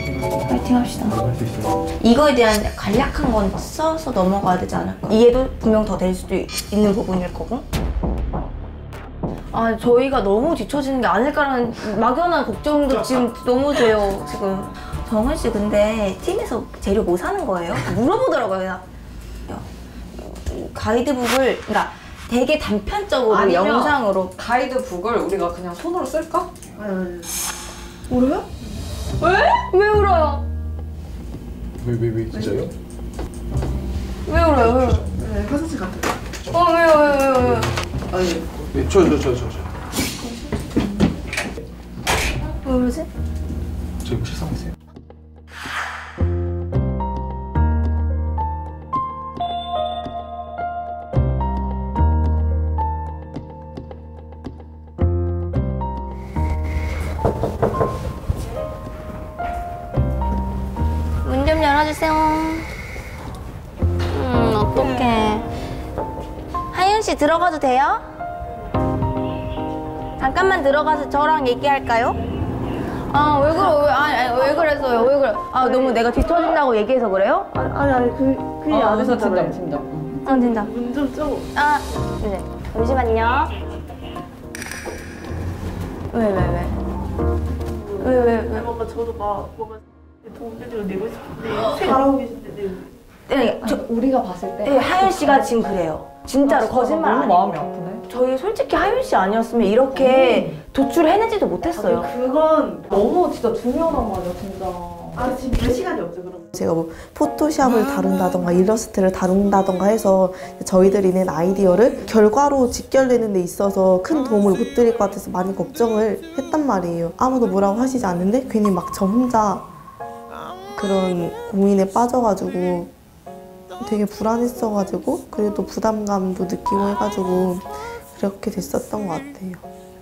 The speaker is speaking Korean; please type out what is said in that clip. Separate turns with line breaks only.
파이팅 합시다.
할 수 있어요.
이거에 대한 간략한 건 써서 넘어가야 되지 않을까? 이해도 분명 더 될 수도 있는 부분일 거고. 아, 저희가 너무 뒤처지는 게 아닐까라는 막연한 걱정도 지금 너무 돼요, 지금. 정은 씨, 근데 팀에서 재료 뭐 사는 거예요? 물어보더라고요. 가이드북을, 그러니까 되게 단편적으로
아니면
영상으로.
가이드북을 우리가 그냥 손으로 쓸까?
울어요? 왜? 왜 울어요?
왜 진짜요?
왜 울어요? 왜 울어요?
네, 화장실 갔다
왜요?
아니
네, 저.
왜 그러지?
저희 뭐 실상했어요?
문 좀 열어주세요. 어떡해. 하윤 씨 들어가도 돼요? 잠깐만 들어가서 저랑 얘기할까요? 아, 왜 그랬어요? 왜 그래? 아, 너무 내가 뒤처진다고 얘기해서 그래요?
아니 그게 아니죠.
팀장.
진짜.
문좀 좀.
아, 네. 잠시만요. 왜?
뭔가 저도 막 뭔가 도움을 내고 싶은데 잘하고 계신데.
네,
우리가 봤을 때
네, 하윤 씨가 지금 그래요. 진짜로 거짓말 안
너무
해요.
마음이 아프네.
저희 솔직히 하윤 씨 아니었으면 이렇게 도출해내지도 못했어요.
그건
너무 진짜 중요하단 말이야, 진짜.
지금 몇 시간이 없죠 그럼.
제가 뭐 포토샵을 다룬다던가 일러스트를 다룬다던가 해서 저희들이 낸 아이디어를 결과로 직결되는 데 있어서 큰 도움을 못 드릴 것 같아서 많이 걱정을 했단 말이에요. 아무도 뭐라고 하시지 않는데 괜히 막 저 혼자 그런 고민에 빠져가지고 되게 불안했어가지고 그래도 부담감도 느끼고 해가지고 그렇게 됐었던 것 같아요.